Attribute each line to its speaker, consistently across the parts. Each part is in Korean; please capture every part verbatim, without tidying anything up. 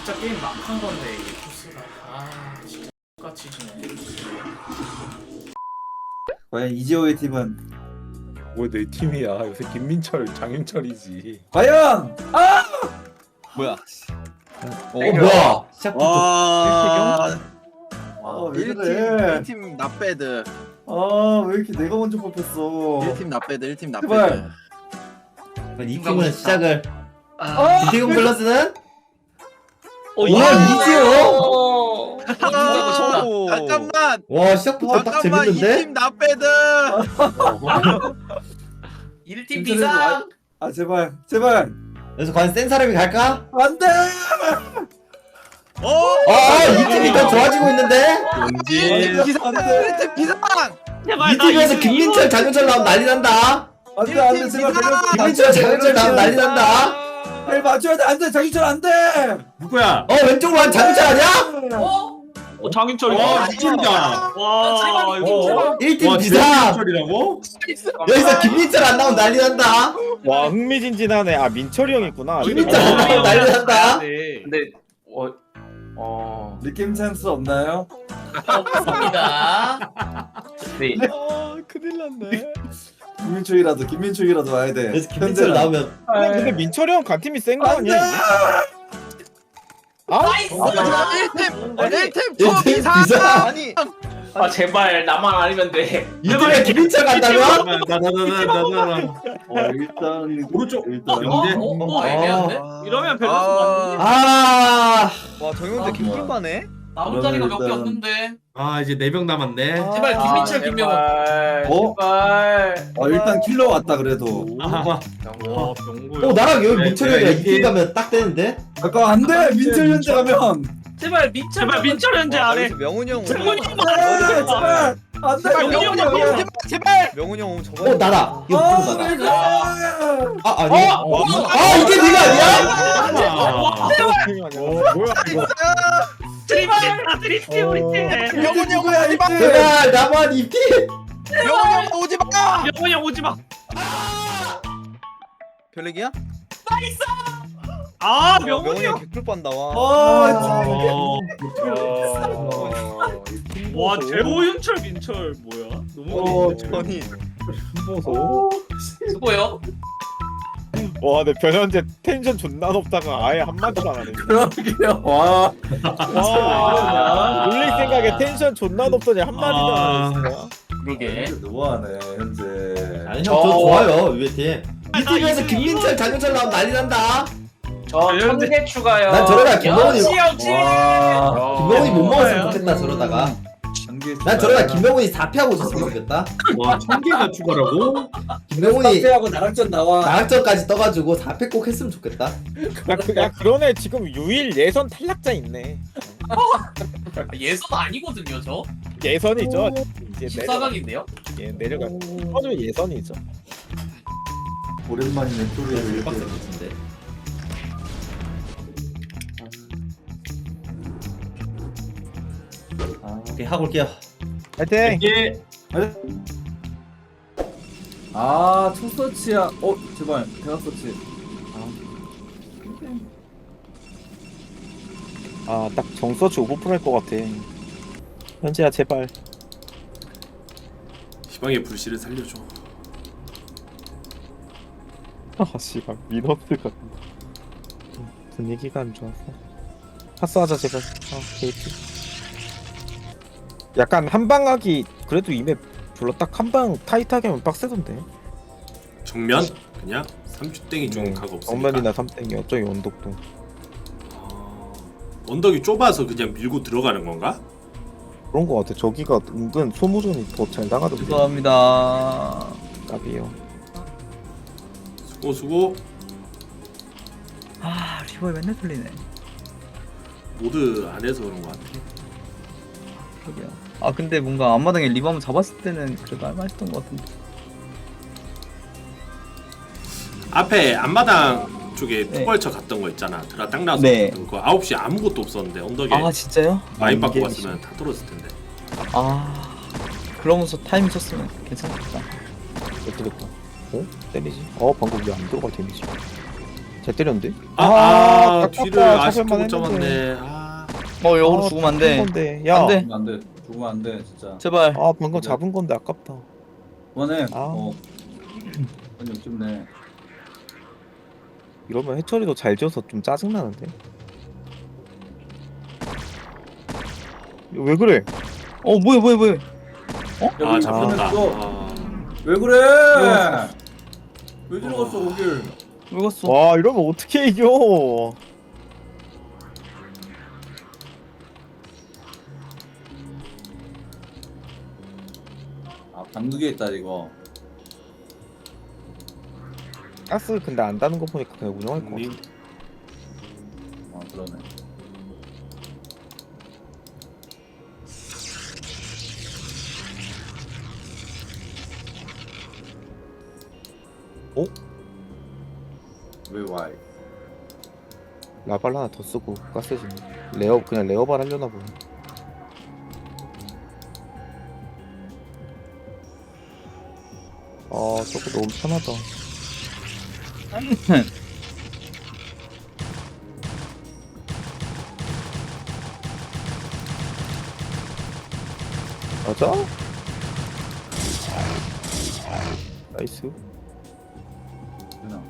Speaker 1: 진짜 게임 막한 건데 이게 코스가 아 진짜 똑같이 지네.
Speaker 2: 과연 이지호의 팀은
Speaker 3: 왜 내 팀이야? 요새 김민철, 장윤철이지.
Speaker 2: 과연 아
Speaker 4: 뭐야?
Speaker 5: 어 뭐야? 시작부터
Speaker 4: 와,
Speaker 2: 아, 왜
Speaker 4: 일 팀
Speaker 2: 그래?
Speaker 4: 일 팀 나배드.
Speaker 2: 아 왜 이렇게 내가 먼저 뽑혔어?
Speaker 4: 일 팀 나배드, 일 팀
Speaker 2: 제발.
Speaker 4: 나배드.
Speaker 5: 그럼 이 팀은 시작을
Speaker 2: 아
Speaker 5: 이태경 플러스는
Speaker 1: 어,
Speaker 5: 와, 이지호?
Speaker 1: 어, 이기고 싶다.
Speaker 4: 오, 잠깐만,
Speaker 5: 와 시작부터 딱
Speaker 4: 잠깐만, 이
Speaker 5: 재밌는데?
Speaker 4: 팀 나배드.
Speaker 1: 일 팀
Speaker 2: 인터넷
Speaker 1: 비상.
Speaker 2: 아 제발 제발
Speaker 5: 그래서 과연 센 사람이 갈까?
Speaker 2: 안돼.
Speaker 4: 오,
Speaker 5: 아이 팀이 더 좋아지고 있는데?
Speaker 4: 일 팀 비상,
Speaker 2: 안돼.
Speaker 4: 일 팀 비상.
Speaker 5: 이 팀에서 김민철, 장윤철 나오면 난리 난다.
Speaker 2: 안돼 안돼 제발
Speaker 4: 비상!
Speaker 5: 김민철, 장윤철 나오면 난리 난다.
Speaker 2: 벨 맞춰야 돼 안돼 장희철 안돼.
Speaker 6: 누구야?
Speaker 5: 어 왼쪽으로 한 장윤철 아니야?
Speaker 1: 어?
Speaker 7: 어 장윤철이
Speaker 6: 와 진짜.
Speaker 7: 와 이거
Speaker 5: 일 팀
Speaker 6: 와
Speaker 5: 비상.
Speaker 6: 진짜라고?
Speaker 5: 여기서 김민철 안 나오면 난리 난다.
Speaker 3: 와 흥미진진하네. 아 민철이 형 있구나.
Speaker 5: 김민철 안 나오면 난리 난다.
Speaker 7: 근데 어 어.
Speaker 2: 느낌 찬스 없나요?
Speaker 1: 없습니다.
Speaker 7: 네.
Speaker 3: 아 큰일 났네.
Speaker 2: 김민철이라도 김민철이라도 와야 돼.
Speaker 5: 그래서 김민철 나오면
Speaker 3: 근데, 근데 민철이 형 간 팀이 센 거 아니야? 이게?
Speaker 1: 나이스.
Speaker 4: 일 팀, 일 팀
Speaker 5: 일
Speaker 4: 더
Speaker 5: 팀
Speaker 4: 비상.
Speaker 5: 비상.
Speaker 4: 아니,
Speaker 7: 아 제발 나만 아니면 돼.
Speaker 5: 이 팀에 김민철 간다면?
Speaker 6: 나나나나나나.
Speaker 2: 어 일단
Speaker 6: 오른쪽.
Speaker 2: 일단
Speaker 1: 어?
Speaker 6: 영재.
Speaker 1: 어? 어? 애매한데?
Speaker 7: 이러면 밸런스
Speaker 4: 아,
Speaker 7: 맞는데.
Speaker 5: 아
Speaker 4: 와 정영재 김꿀빠네.
Speaker 1: 남은 자리가 몇 개
Speaker 2: 일단-
Speaker 1: 없는데.
Speaker 6: 아 이제 네 명 남았네.
Speaker 1: 제발 김민철, 김명훈.
Speaker 7: 제발.
Speaker 2: 어?
Speaker 7: 제발.
Speaker 2: 어 일단 킬러 왔다 그래도.
Speaker 6: 아,
Speaker 7: 와 병구.
Speaker 5: 어 나랑 여기
Speaker 6: 네,
Speaker 5: 민철이 형이랑
Speaker 6: 네,
Speaker 5: 이 팀
Speaker 6: 이게-
Speaker 5: 가면 딱 되는데?
Speaker 2: 잠깐 안돼 민철 현재 가면.
Speaker 1: 제발 민철.
Speaker 7: 제발 민철 현재 안해.
Speaker 4: 명훈이 형.
Speaker 7: 명훈이
Speaker 4: 오면-
Speaker 7: 형.
Speaker 2: 네, 제발 안돼
Speaker 4: 제발 명훈이 형,
Speaker 2: 명훈이 형.
Speaker 4: 제발, 제발. 명훈이 형 오면 저거.
Speaker 5: 어 나다 이거
Speaker 2: 아,
Speaker 5: 부른 나다
Speaker 2: 나다.
Speaker 5: 아 아니야?
Speaker 7: 어?
Speaker 5: 아 이게 네가 아니야?
Speaker 6: 아,
Speaker 3: 어 뭐야 이거?
Speaker 7: 드립팀 드립팀 우리 팀.
Speaker 4: 명훈이 형
Speaker 2: 누구야,
Speaker 4: 오지 마.
Speaker 2: 이때?
Speaker 5: 제발 나만 이 팀!
Speaker 4: 명훈이 형 오지 마.
Speaker 7: 명훈이 형 오지 마.
Speaker 4: 별얘기야?
Speaker 7: 아
Speaker 4: 명훈이
Speaker 7: 명훈이
Speaker 4: 형
Speaker 7: 형.
Speaker 4: 개꿀빤 나와.
Speaker 2: 아
Speaker 6: 어.
Speaker 7: 와 재호윤철 민철 뭐야? 너무
Speaker 2: 어,
Speaker 7: 어린데.
Speaker 4: 아니,
Speaker 3: 보소.
Speaker 1: 수고요.
Speaker 3: 와, 내 변현재 텐션 존나 높다가 아예 한 마디도 안 하네.
Speaker 2: 그러게요. 와.
Speaker 3: 와, 놀릴 생각에 텐션 존나 높더니 한 마디도
Speaker 6: 아.
Speaker 3: 안 하네.
Speaker 1: 그러게.
Speaker 2: 너무하네 현재.
Speaker 5: 아니 형 저 좋아요 위에 팀. 이 팀에서 김민철, 장윤철 나오면 난리 난다.
Speaker 7: 저천개 추가요.
Speaker 5: 난 저러다 김명훈이
Speaker 1: 역시 역시.
Speaker 2: 와.
Speaker 5: 김명훈이 못 먹었으면 좋겠다 저러다가.
Speaker 2: 단계
Speaker 5: 난 저러다 김명훈이 사 패하고 있었으면 좋겠다.
Speaker 6: 와, 천 개가 추가라고?
Speaker 5: 김명훈이
Speaker 2: 하고 나락전 나와.
Speaker 5: 나락전까지 떠가지고 사 패 꼭 했으면 좋겠다.
Speaker 3: 야, 그, 야 그러네 지금 유일 예선 탈락자 있네.
Speaker 1: 예선 아니거든요 저.
Speaker 3: 예선이죠. 이제
Speaker 1: 십사 강인데요?
Speaker 3: 내려, 예, 내려가. 아주 예선이죠.
Speaker 2: 오랜만이네 소리를
Speaker 5: 빡셀
Speaker 2: 이렇게.
Speaker 5: 것 같은데. 아, 오케이 하고 올게요.
Speaker 3: 파이팅.
Speaker 6: 이게
Speaker 2: 아, 첫 서치야. 어, 제발 대각 서치.
Speaker 3: 아딱 정서치 오버 프로 할것 같아. 현재야 제발.
Speaker 6: 희망의 불씨를 살려줘.
Speaker 3: 아 씨발 민원들 같은. 분위기가 안 좋아서. 파스하자 제발. 아 게이트. 약간 한방하기 그래도 이맵 별로 딱 한방 타이트하게 하면 빡세던데.
Speaker 6: 정면 그냥 삼주 땡이 좀 가고 없으니까.
Speaker 3: 정면이나 삼땡이 어쩌기 언덕도.
Speaker 6: 아, 언덕이 좁아서 그냥 밀고 들어가는 건가?
Speaker 3: 그런 거 같아. 저기가 은근 소모전이 더 잘 나가던데.
Speaker 4: 죄송합니다.
Speaker 3: 까비요.
Speaker 6: 수고 수고.
Speaker 4: 아, 리버에 맨날 틀리네.
Speaker 6: 모드 안에서 그런 거 같아.
Speaker 4: 그러게요. 아, 근데 뭔가 앞마당에 리버 한번 잡았을 때는 그래도 할만했던 것 같은데.
Speaker 6: 앞에 앞마당 쪽에
Speaker 4: 네.
Speaker 6: 툭 벌쳐 갔던 거 있잖아. 드라 딱 나서
Speaker 4: 네.
Speaker 6: 갔던 거 아홉 시 아무것도 없었는데 언덕에
Speaker 4: 아, 진짜요?
Speaker 6: 많이
Speaker 3: 아,
Speaker 6: 받고
Speaker 3: 이게
Speaker 6: 갔으면 다 떨어졌을 텐데.
Speaker 4: 아, 그러면서 타이밍 쳤으면 괜찮겠다.
Speaker 3: 어떻겠다. 어? 때리지? 어 방금 왜 안 들어가 데미지? 잘 때렸는데?
Speaker 6: 아, 아,
Speaker 3: 아깝다.
Speaker 6: 뒤를 아쉽게
Speaker 3: 잡을만
Speaker 6: 못 잡았네. 아,
Speaker 4: 어 여기로
Speaker 3: 아,
Speaker 4: 죽으면 안돼.
Speaker 3: 건데. 야,
Speaker 4: 안 돼.
Speaker 2: 죽으면 안돼 죽으면 안돼 진짜
Speaker 4: 제발.
Speaker 3: 아 방금 잡은 건데 아깝다.
Speaker 2: 그만해
Speaker 3: 아.
Speaker 2: 어 아니 욕심내
Speaker 3: 이러면 해철이도 잘 지어서 좀 짜증 나는데. 왜 그래?
Speaker 4: 어 뭐야 뭐야 뭐야.
Speaker 6: 아 잡혔다.
Speaker 2: 또.
Speaker 6: 아,
Speaker 2: 왜 그래 왜 들어갔어 거길
Speaker 4: 왜 갔어?
Speaker 3: 와 이러면 어떻게 이겨?
Speaker 2: 아 방극에 있다 이거
Speaker 3: 가스 근데 안 다는 거 보니까 그냥 운영할 거 같아.
Speaker 6: 님,
Speaker 2: 아 그러네
Speaker 3: 어?
Speaker 2: 왜 와이
Speaker 3: 라발 하나 더 쓰고 가스 좀 레어 그냥 레어발 하려나 보네. 아 저거 너무 편하다. 맞아? 나이스.
Speaker 2: 그냥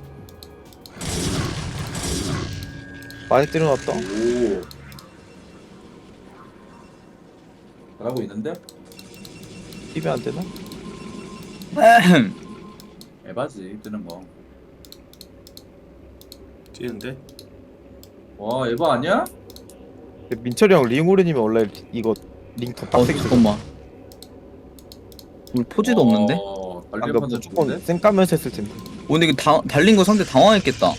Speaker 3: 많이 때려놨다.
Speaker 2: 오 잘하고 있는데?
Speaker 3: 팁이 안 되나?
Speaker 2: 에바지 뜨는
Speaker 6: 뛰는데?
Speaker 2: 거와 에바 아니야?
Speaker 3: 근데 민철이 형 링오르님이 원래 이거 링 더
Speaker 4: 어
Speaker 3: 빡세게 쳐.
Speaker 4: 잠깐만. 우리 포지도 없는데?
Speaker 2: 어,
Speaker 3: 아,
Speaker 2: 달리는
Speaker 3: 너
Speaker 2: 판자
Speaker 3: 무조건
Speaker 2: 좋은데?
Speaker 3: 쌩 까면서 했을 텐데.
Speaker 4: 오 근데 이거 다, 달린 거 상대 당황했겠다.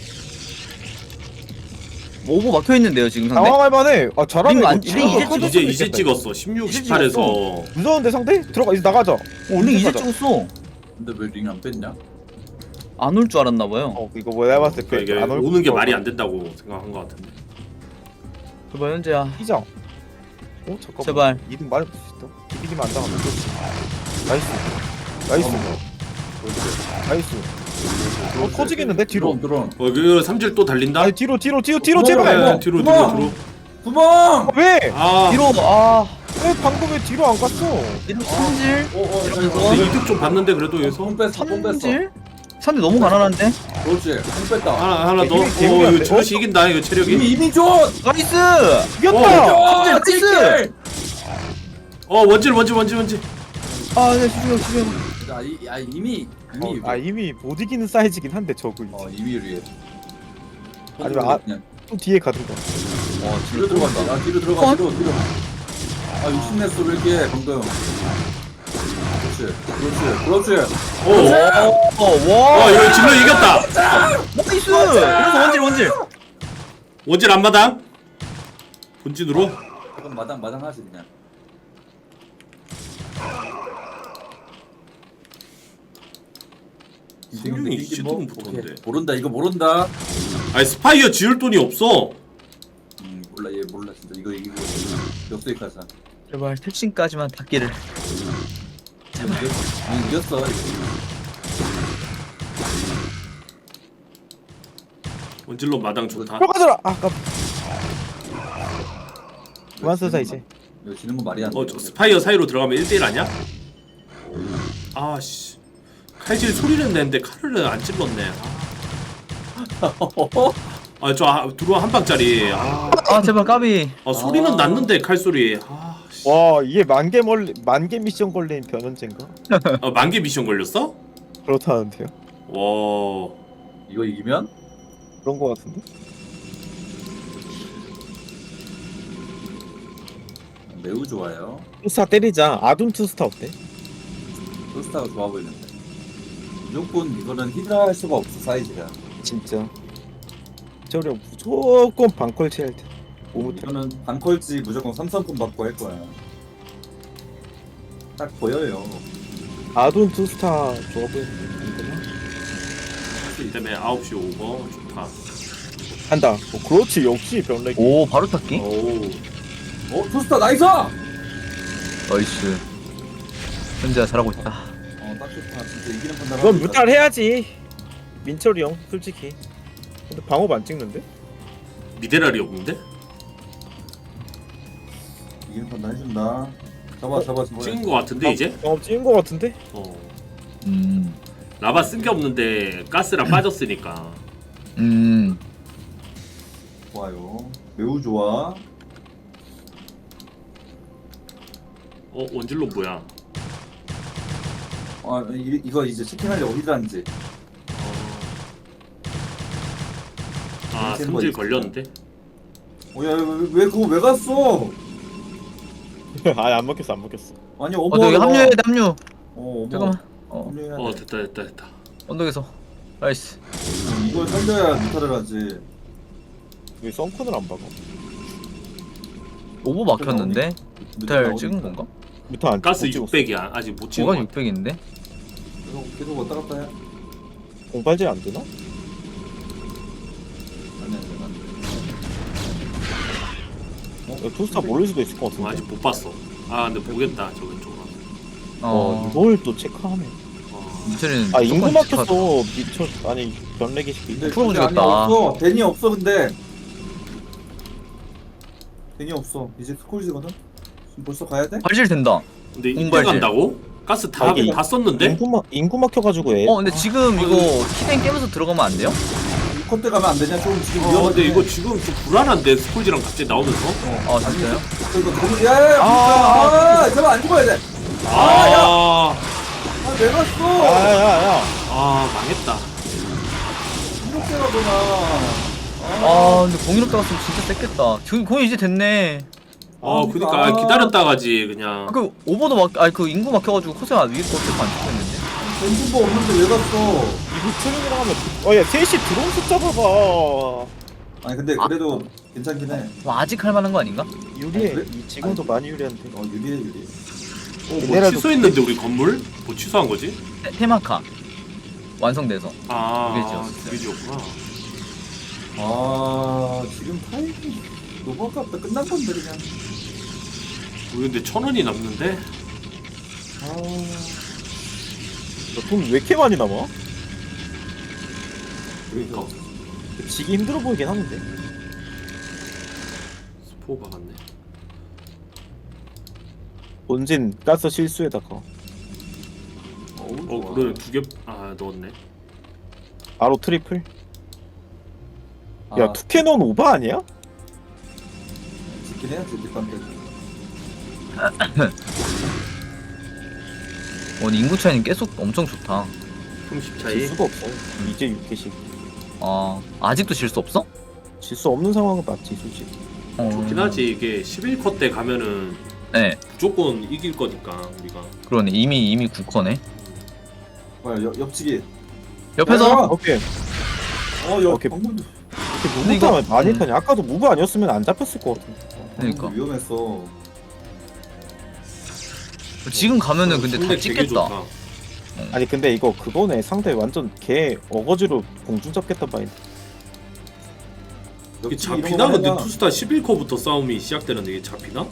Speaker 4: 뭐 오버 막혀 있는데요 지금 상대?
Speaker 3: 당황할 만해. 아 잘하네.
Speaker 4: 링 안-
Speaker 3: 이거.
Speaker 4: 링
Speaker 3: 이거
Speaker 4: 이제
Speaker 3: 커졌으면
Speaker 6: 이제 이제
Speaker 3: 좋겠다.
Speaker 6: 찍었어. 십육,
Speaker 3: 이제
Speaker 6: 십팔에서
Speaker 3: 무서운데 상대? 들어가 이제 나가자.
Speaker 4: 링 이제
Speaker 3: 가자.
Speaker 4: 찍었어.
Speaker 2: 근데 왜 링 안 뺐냐?
Speaker 4: 안 올 줄 알았나 봐요.
Speaker 3: 어 이거 뭐 내가 봤을 때
Speaker 6: 그러니까 이게
Speaker 3: 안 올
Speaker 6: 오는 게
Speaker 3: 거
Speaker 6: 말이 안 된다고 생각한 것 같은데.
Speaker 4: 제발 현재야.
Speaker 3: 피자. 어 잠깐만.
Speaker 4: 제발.
Speaker 3: 이등 많이 볼수 있다. 이기면 안 당하면 그렇지. 나이스. 나이스. 나이스. 어 터지겠는데 뒤로.
Speaker 2: 드론 드론
Speaker 6: 어, 그 삼질 또 달린다.
Speaker 3: 아니 뒤로 뒤로 뒤로 뒤로
Speaker 2: 구멍,
Speaker 3: 제발.
Speaker 6: 네,
Speaker 2: 구멍,
Speaker 6: 뒤로 뒤로
Speaker 2: 구멍.
Speaker 6: 뒤로.
Speaker 2: 구멍!
Speaker 3: 어, 왜?
Speaker 6: 아,
Speaker 4: 뒤로 아
Speaker 3: 왜 방금 왜 뒤로 안 갔어?
Speaker 4: 이렇게 삼질
Speaker 2: 오오
Speaker 6: 근데 이득 좀 봤는데 그래도 여기서
Speaker 2: 손 뺐어 손 뺐어
Speaker 4: 삼질 상대 너무 가난한데.
Speaker 2: 그렇지 손 뺐다
Speaker 6: 하나 하나 더. 어,
Speaker 3: 힘이 개운한데?
Speaker 6: 이거 저것이 이긴다 이거 체력이.
Speaker 2: 이미 이미 줘!
Speaker 4: 나이스.
Speaker 3: 이겼다.
Speaker 2: 아
Speaker 4: 나이스!
Speaker 6: 어 원질 원질 원질 원질.
Speaker 4: 아네 수비형 수비형.
Speaker 2: 아, 이, 아 이미 이미
Speaker 3: 어, 아 이미 못 이기는 사이즈긴 한데 저거
Speaker 2: 어 이미 유리해
Speaker 3: 아니면 아-
Speaker 2: 그냥
Speaker 3: 또 뒤에 가든가.
Speaker 2: 어 뒤로 들어간다 아 뒤로 들어가 뒤로 뒤로 아 욕심냈어 왜 이렇게 방금 그렇지 그렇지 그렇지
Speaker 6: 오. 어,
Speaker 4: 어와
Speaker 6: 이거 질러 이겼다.
Speaker 4: 나이스. 그래서 원질 원질.
Speaker 6: 원질 앞마당. 본진으로.
Speaker 2: 그럼 마당 마당 하지 그냥
Speaker 6: 승용이 시드문 붙었는데.
Speaker 2: 오케이. 모른다 이거 모른다
Speaker 6: 아니 스파이어 지을 돈이 없어.
Speaker 2: 음 몰라 얘 몰라 진짜 이거 이기고 역수익 가자
Speaker 4: 제발 택신까지만 닿기를.
Speaker 2: 이겼- 이겼어
Speaker 6: 원질로 마당 좋다.
Speaker 3: 들어가더라. 아 깜. 그만 쓰자 이제.
Speaker 2: 이거 지는 거 말이 안돼
Speaker 6: 어, 저 스파이어 사이로 들어가면 일 대일 아니야? 아씨. 칼질 소리는 내는데 칼을 안 찔렀네. 아, 저 아, 들어와 한 방짜리. 아,
Speaker 4: 아 제발 까비.
Speaker 6: 아 소리는 났는데 칼 소리. 아, 씨.
Speaker 3: 와 이게 만개 멀 만개 미션 걸린 변현재인가?
Speaker 6: 아, 만개 미션 걸렸어?
Speaker 3: 그렇다는데요.
Speaker 6: 와.
Speaker 2: 이거 이기면
Speaker 3: 그런 거 같은데.
Speaker 2: 매우 좋아요
Speaker 3: 투스타 때리자. 아둔 투스타 어때?
Speaker 2: 토스타가 좋아 보이는데 무조건 이거는 히드라 할 수가 없어 사이즈가
Speaker 3: 진짜. 저렴 무조건 방컬 치할 때. 오무
Speaker 2: 이거는 반컬지 무조건 삼성폰 받고 할 거야 딱 보여요
Speaker 3: 아둔 투스타 좋아 보이는데.
Speaker 6: 이 때문에 아홉 시 오버 좋다.
Speaker 3: 한다. 어, 그렇지 역시 변렉.
Speaker 4: 오 바로 탔기.
Speaker 6: 오.
Speaker 2: 어 토스타 나이스!
Speaker 4: 나이스. 현재야 잘하고 있다.
Speaker 2: 어딱 좋다 진짜 이기는 판단
Speaker 3: 넌 무탈 해야지. 민철이 형 솔직히. 근데 방업 안 찍는데?
Speaker 6: 미네랄이 없는데?
Speaker 2: 이기는 판단 해준다. 잡아 잡아 잡아.
Speaker 6: 찍은 거 같은데 이제?
Speaker 3: 방업 찍은 거 같은데?
Speaker 6: 어.
Speaker 4: 음.
Speaker 6: 라바 쓴 게 없는데 가스랑 빠졌으니까.
Speaker 4: 음.
Speaker 2: 좋아요. 매우 좋아.
Speaker 6: 어 원질로 뭐야?
Speaker 2: 아 이, 이거 이제 채팅하려 어디다는지.
Speaker 6: 아
Speaker 2: 템po
Speaker 6: 성질
Speaker 2: 있어.
Speaker 6: 걸렸는데?
Speaker 2: 어야 왜, 왜 그거 왜 갔어?
Speaker 3: 아니 안 먹혔어 안 먹혔어.
Speaker 2: 아니
Speaker 4: 어,
Speaker 2: 어머.
Speaker 4: 너 여기 합류해야 돼, 합류.
Speaker 2: 어 어머.
Speaker 4: 잠깐만. 어,
Speaker 2: 합류해야
Speaker 6: 어
Speaker 2: 돼.
Speaker 6: 됐다 됐다 됐다.
Speaker 4: 언덕에서. 나이스.
Speaker 2: 이걸 살려야 미탈을 하지.
Speaker 3: 왜 썬큰을 안 박아?
Speaker 4: 오버 막혔는데? 뮤탈 찍은 건가?
Speaker 3: 밑에 안
Speaker 6: 가스
Speaker 3: 못 찍었어.
Speaker 6: 육백이야. 아직 못 찍은
Speaker 4: 뭐가
Speaker 6: 거.
Speaker 4: 육백인데?
Speaker 2: 계속 계속 왔다 갔다 해.
Speaker 3: 공발질 안 되나?
Speaker 2: 아니 아니 아니.
Speaker 3: 야, 투스타 모를 수도 있을 것
Speaker 6: 어,
Speaker 3: 같은데.
Speaker 6: 아직 못 봤어. 아 근데 보겠다 저 왼쪽으로.
Speaker 3: 어,
Speaker 4: 어.
Speaker 3: 이걸 또 체크하네.
Speaker 6: 어.
Speaker 4: 뮤탈은
Speaker 3: 아 인구
Speaker 4: 무조건 찍혀.
Speaker 3: 막혔어. 미쳐. 아니 변내기 시키.
Speaker 2: 근데
Speaker 4: 풀어보고
Speaker 2: 근데 아니
Speaker 4: 죽였다.
Speaker 2: 없어. 데니 없어 근데. 데니 없어. 이제 스콜지거든. 지금 벌써 가야 돼?
Speaker 4: 발질 된다.
Speaker 6: 근데 이때
Speaker 4: 공발질.
Speaker 6: 간다고? 가스 다,
Speaker 3: 아, 이게
Speaker 6: 다 썼는데?
Speaker 3: 인구 막 인구 막혀가지고 애.
Speaker 4: 어, 근데 지금 이거 키댕 깨면서 들어가면 안 돼요?
Speaker 2: 컷대 가면 안 되냐? 좀 지금
Speaker 6: 어
Speaker 2: 위험한데.
Speaker 6: 근데 이거 지금 좀 불안한데 스콜지랑 갑자기 나오면서?
Speaker 4: 아, 진짜요?
Speaker 2: 이거 거기 야야야.
Speaker 3: 아,
Speaker 2: 아, 아, 제발 안 죽어야 돼.
Speaker 6: 아,
Speaker 2: 아 내가 써.
Speaker 3: 야야야.
Speaker 6: 아 망했다.
Speaker 2: 이렇게 가구나.
Speaker 4: 아, 근데 공인 없다 갔으면 진짜 셌겠다. 지금 공인 이제 됐네.
Speaker 6: 어 그니까 아, 기다렸다 가지 그냥.
Speaker 4: 아, 그 오버도 막, 아니 그 인구 막혀가지고 코스가 위에 거 어떻게 안 찍혔는데?
Speaker 2: 벤츠버 없는데 왜 갔어?
Speaker 3: 이거 트랙이랑 하면. 어야 셋이 드론 숫자 봐봐.
Speaker 2: 아니 근데 그래도 괜찮긴 해.
Speaker 4: 뭐 아직 할 만한 거 아닌가?
Speaker 3: 유리해.
Speaker 2: 아, 그래?
Speaker 3: 이 지금도 많이 유리한데.
Speaker 2: 어 유리해 유리.
Speaker 6: 어, 뭐
Speaker 3: 미네랄도
Speaker 6: 취소했는데 우리 건물? 뭐 취소한 거지?
Speaker 4: 테, 테마카 완성돼서.
Speaker 6: 아,
Speaker 4: 두개 지었어요.
Speaker 6: 두개 지었구나.
Speaker 2: 아 지금 타이밍 너무 아깝다. 끝난 건데 그냥.
Speaker 6: 우리 근데 천 원이 남는데?
Speaker 2: 아
Speaker 3: 돈왜 이렇게 많이 남아?
Speaker 6: 그러니까
Speaker 3: 지기 힘들어 보이긴 하는데.
Speaker 6: 스포 박았네.
Speaker 3: 본진 가스 실수에다가
Speaker 2: 어우,
Speaker 6: 어
Speaker 2: 좋아.
Speaker 6: 그래 두 개 아 넣었네.
Speaker 3: 바로 트리플.
Speaker 2: 아,
Speaker 3: 야 투캐논 오버 아니야?
Speaker 2: 짓긴 해야지 뒷방 때.
Speaker 4: 어, 근데 인구 차이는 계속 엄청 좋다.
Speaker 6: 삼십
Speaker 3: 질
Speaker 6: 차이.
Speaker 3: 수가 없어. 이제 육 개씩.
Speaker 4: 아, 아직도 질 수 없어?
Speaker 3: 질 수 없는 상황은 맞지 솔직히.
Speaker 4: 어.
Speaker 6: 좋긴 하지. 이게 십일 컷 때 가면은
Speaker 4: 네,
Speaker 6: 무조건 이길 거니까 우리가.
Speaker 4: 그러네. 이미 이미 구 컷네.
Speaker 2: 뭐야 옆 옆치기.
Speaker 4: 옆에서
Speaker 2: 야!
Speaker 3: 오케이.
Speaker 2: 어옆
Speaker 3: 오케이.
Speaker 2: 방문도.
Speaker 3: 이렇게
Speaker 4: 근데 이거-
Speaker 3: 무브 많이
Speaker 4: 음.
Speaker 3: 타냐? 아까도 무브 아니었으면 안 잡혔을 것 같은데.
Speaker 4: 그러니까.
Speaker 2: 위험했어.
Speaker 4: 지금 가면은 근데 다
Speaker 6: 상대 되게
Speaker 4: 찍겠다.
Speaker 6: 좋다.
Speaker 3: 아니 근데 이거 그거네. 상대 완전 개 어거지로 공중 잡겠다 바인.
Speaker 6: 이게
Speaker 2: 옆치기 이런
Speaker 6: 잡히나?
Speaker 2: 거
Speaker 6: 근데
Speaker 2: 하냐?
Speaker 6: 투스타 십일 컷부터 싸움이 시작되는데 이게 잡히나?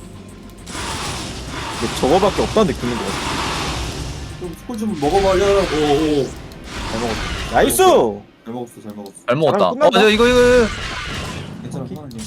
Speaker 3: 근데 저거밖에 없다는 느낌인 것 같아.
Speaker 2: 좀 스콜 좀 먹어봐야.
Speaker 6: 오오.
Speaker 3: 잘 먹었어. 나이스!
Speaker 2: 잘 먹었어 잘 먹었어.
Speaker 4: 잘 먹었다.
Speaker 3: 잘하면 끝난다.
Speaker 4: 어, 저 이거 이거
Speaker 2: 괜찮아
Speaker 3: 오케이.
Speaker 2: 편하게.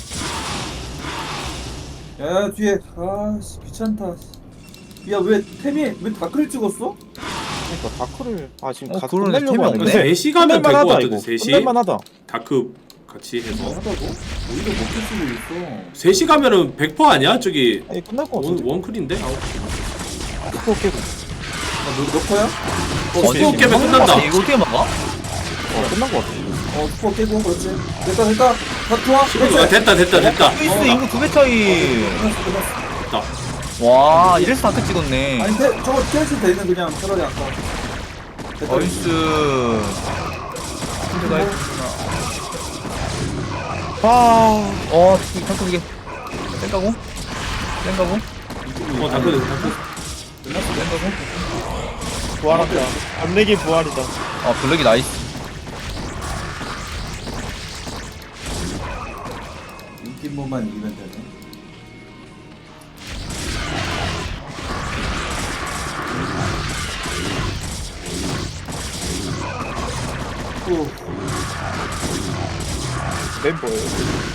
Speaker 2: 야 뒤에 아씨 귀찮다. 야 왜 템이 왜 다크를 찍었어?
Speaker 3: 그러니까 다크를 아 지금
Speaker 4: 어,
Speaker 3: 가서
Speaker 4: 그러네.
Speaker 3: 끝내려고
Speaker 4: 템이
Speaker 3: 하네.
Speaker 4: 없네.
Speaker 3: 근데
Speaker 6: 세 시 가면 될
Speaker 3: 끝낼만
Speaker 6: 것
Speaker 3: 하다,
Speaker 6: 같은데
Speaker 3: 이거.
Speaker 6: 세 시?
Speaker 3: 끝낼만 하다.
Speaker 6: 다크 같이 해서
Speaker 2: 하다고? 오히려 먹힐 수도 있어.
Speaker 6: 세 시 가면은 백 퍼센트 아니야? 저기
Speaker 3: 아니 끝날 것
Speaker 6: 원,
Speaker 3: 같은데.
Speaker 6: 원클인데?
Speaker 3: 스포 깨고.
Speaker 2: 아, 너, 너 거야?
Speaker 6: 어, 스포 깨면 끝난다.
Speaker 4: 이거 어떻게 막아?
Speaker 3: 어 끝난 것 같아.
Speaker 2: 어 스포 깨고 그렇지. 됐다 됐다. 다 좋아.
Speaker 6: 아,
Speaker 2: 그렇지.
Speaker 6: 됐다 됐다 됐다.
Speaker 4: 페이스 인구 두 배 차이.
Speaker 2: 끝났어 끝났어.
Speaker 6: 됐다.
Speaker 4: 와, 이래서 다크 찍었네.
Speaker 2: 아니 태, 저거 캐시 되는 그냥 차라리 아까. 됐다.
Speaker 4: 나이스. 근데가 있구나.
Speaker 3: 아
Speaker 4: 어, 이 다크 이게 땡가고? 땡가고?
Speaker 6: 어 다크 다크.
Speaker 3: 부활한다. 암내기 부활이다.
Speaker 4: 아, 블랙이 나이스.
Speaker 2: 인기모만 이기면 되네. 오.
Speaker 3: 멤버예요.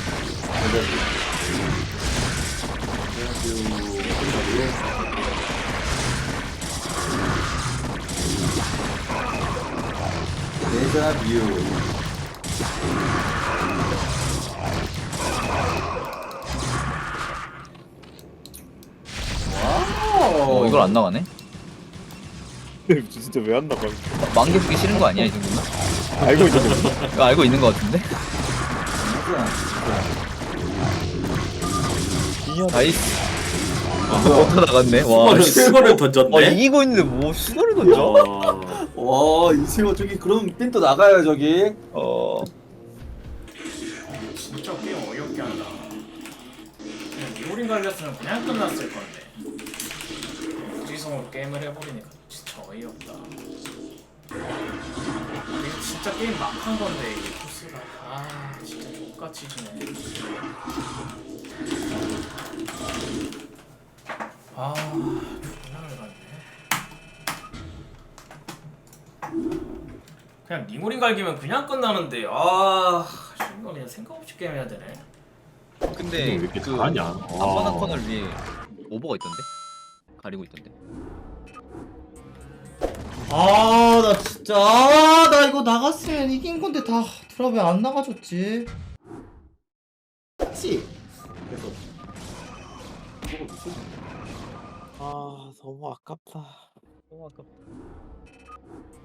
Speaker 2: 데자뷰. 와우.
Speaker 4: 어 이걸 안 나가네?
Speaker 3: 진짜 왜 안 나가?
Speaker 4: 만개 쓰기 싫은 거 아니야 이 정도면?
Speaker 3: 알고 있는 거.
Speaker 4: 이거 알고 있는 거 같은데? 나이스. 버터 나갔네. 와.
Speaker 6: 와,
Speaker 4: 씨.
Speaker 6: 실버를
Speaker 4: 어
Speaker 6: 던졌네.
Speaker 4: 이기고 있는데 뭐 수거를 던져?
Speaker 6: 와.
Speaker 2: 와, 이세호 저기 그럼 핀또 나가요 저기.
Speaker 4: 어.
Speaker 1: 진짜 게임 어이없게 한다. 그냥 리오린 갈렸으면 그냥 끝났을 건데. 무지성으로 게임을 해버리니까 진짜 어이없다. 이게 진짜 게임 막 한 건데 이게 코스가 아 진짜 똑같이 지네. 아 존나 열받네. 그냥 니모린 갈기면 그냥 끝나는데 아 이거 그냥 생각 없이 게임 해야 되네.
Speaker 4: 근데
Speaker 6: 왜 이렇게
Speaker 4: 그
Speaker 6: 잘하냐?
Speaker 4: 앞바닥 커널 위에 오버가 있던데? 가리고 있던데?
Speaker 5: 아, 나 진짜. 아, 나 이거 나갔으면 이긴 건데 다 드랍 왜안 나가줬지? 그치?
Speaker 3: 아 너무 아깝다.
Speaker 4: 너무 아깝다.